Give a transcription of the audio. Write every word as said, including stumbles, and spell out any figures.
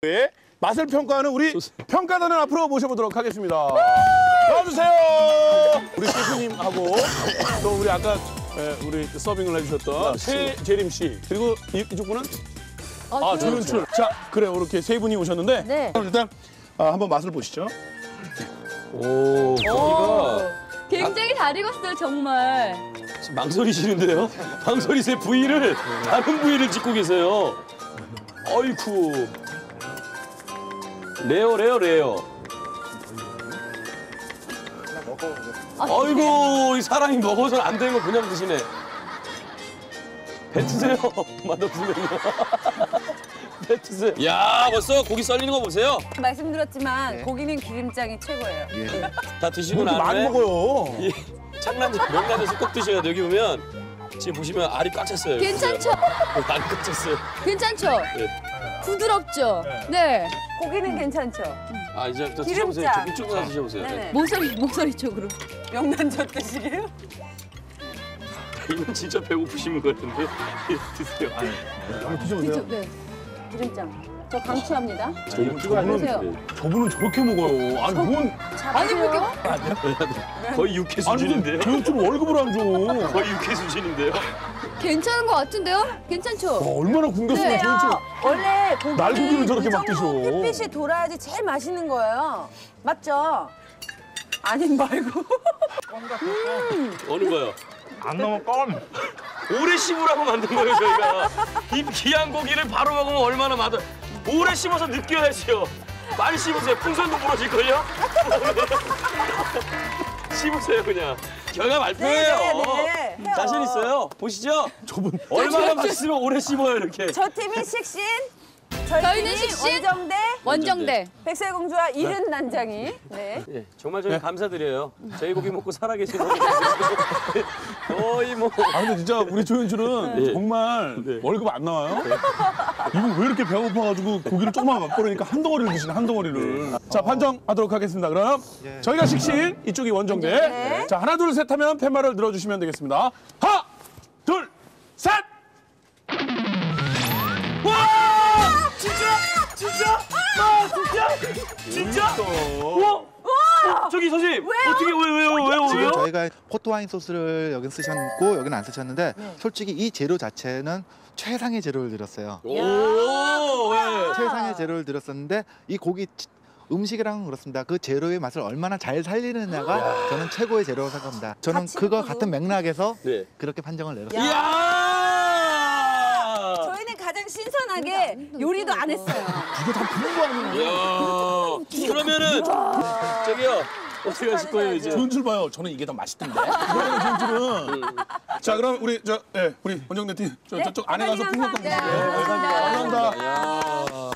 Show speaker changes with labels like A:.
A: 네, 맛을 평가하는 우리 평가단을 앞으로 모셔보도록 하겠습니다. 나와주세요. 우리 셰프님하고 또 우리 아까 예, 우리 서빙을 해주셨던 최재림 씨 그리고 이, 이쪽 분은
B: 어,
A: 아 조윤출. 자 그래 이렇게 세 분이 오셨는데
B: 네.
A: 그럼 일단 아, 한번 맛을 보시죠.
C: 오, 고기가
B: 굉장히 잘 익었어요, 정말.
C: 지금 망설이시는데요? 망설이세요. 부위를 다른 부위를 짓고 계세요. 어이쿠. 레어 레어 레어. 아이고 이 사람이 먹어서 안 되는 거 그냥 드시네. 뱉으세요. 맛없으면요. 뱉으세요. 야 벌써 고기 썰리는 거 보세요.
D: 말씀드렸지만 고기는 기름장이 최고예요.
C: 다 드시고
A: 이렇게 많이
C: 나면
A: 먹어요.
C: 이 창란젓 명란젓을 꼭 드셔야 돼요. 여기 보면 지금 보시면 알이 꽉 찼어요.
B: 괜찮죠?
C: 알이 꽉 찼어요.
B: 괜찮죠?
C: 네.
B: 부드럽죠? 네.
D: 고기는 괜찮죠?
C: 아 이제부터 드셔보세요.
D: 기름장.
C: 이쪽으로 가서 드셔보세요.
D: 네네.
B: 목소리, 목소리 쪽으로.
D: 명란젓 드시게요?
C: 이건 진짜 배고프시는 것 같은데 드세요.
A: 한번 드셔보세요.
B: 그죠? 네. 기름장. 저 강추합니다.
A: 저분은, 저분은 저렇게 먹어요. 아니 뭔
B: 아니, 그렇게.
C: 거의 육회
A: 아니 무슨
C: 수준인데요.
A: 조윤출 월급을 안 줘.
C: 거의 육회 수준인데요.
B: 괜찮은 것 같은데요? 괜찮죠?
A: 와, 얼마나 굶겼으면
B: 네.
A: 조윤출.
D: 원래 고기는
A: 날고기를 저렇게
D: 이
A: 막 드셔.
D: 정도 햇빛이 돌아야지 제일 맛있는 거예요. 맞죠? 아닌 말고.
C: 어느 거요?
A: 안 넘어 껌.
C: 오래 씹으라고 만든 거예요 저희가. 이 귀한 고기를 바로 먹으면 얼마나 맛을. 오래 씹어서 느껴야지요. 빨리 씹으세요. 풍선도 부러질걸요? 씹으세요 그냥. 결과 발표예요.
D: 네, 네, 네.
C: 자신 있어요. 보시죠.
A: 저분
C: 얼마나 맛있으면 오래 씹어요 이렇게.
D: 저 팀이 식신, 저희
B: 저희는
D: 팀이
B: 식신,
D: 원정대,
B: 원정대.
D: 백설공주와 이른 난장이. 네.
C: 예, 정말 저희 감사드려요. 저희 고기 먹고 살아계신 분 거의 뭐.
A: 아 근데 진짜 우리 조윤출은
C: 네.
A: 정말
C: 네.
A: 월급 안 나와요? 이분 왜 이렇게 배고파가지고 고기를 조금만 갖고 오니까 한 덩어리를 드시네 한 덩어리를. 자 판정하도록 하겠습니다. 그럼 저희가 식신 이쪽이 원정대.
D: 네.
A: 자 하나 둘 셋 하면 팻말을 들어주시면 되겠습니다. 하나 둘 셋. 와 진짜 진짜 와 진짜 진짜 와. 어, 저기 선생님 어떻게 왜 왜요 왜요
E: 지금
A: 왜요?
E: 저희가 포토와인 소스를 여긴 쓰셨고 여기는 안 쓰셨는데 솔직히 이 재료 자체는 최상의 재료를 들였어요.
C: 오, 예.
E: 최상의 재료를 들였었는데 이 고기 치- 음식이랑은 그렇습니다. 그 재료의 맛을 얼마나 잘 살리느냐가 저는 최고의 재료라고 생각합니다. 저는
D: 같이
E: 그거
D: 먹어도.
E: 같은 맥락에서
C: 네.
E: 그렇게 판정을 내렸습니다.
C: 이야!
D: 저희는 가장 신선하게 요리도 안 했어요.
A: 이거 다 부른 거 아니에요?
C: 이야. 그러면은 저기요. 어떻게 하실 거예요 이제?
A: 조윤출 봐요. 저는 이게 더 맛있던데. 그러면 조윤출은. 자 그럼 우리 저 예, 우리 원정대 팀 저, 저쪽 안에 가서 풍선 껌.
D: 감사합니다.
A: 네, 감사합니다. 감사합니다.
C: 야.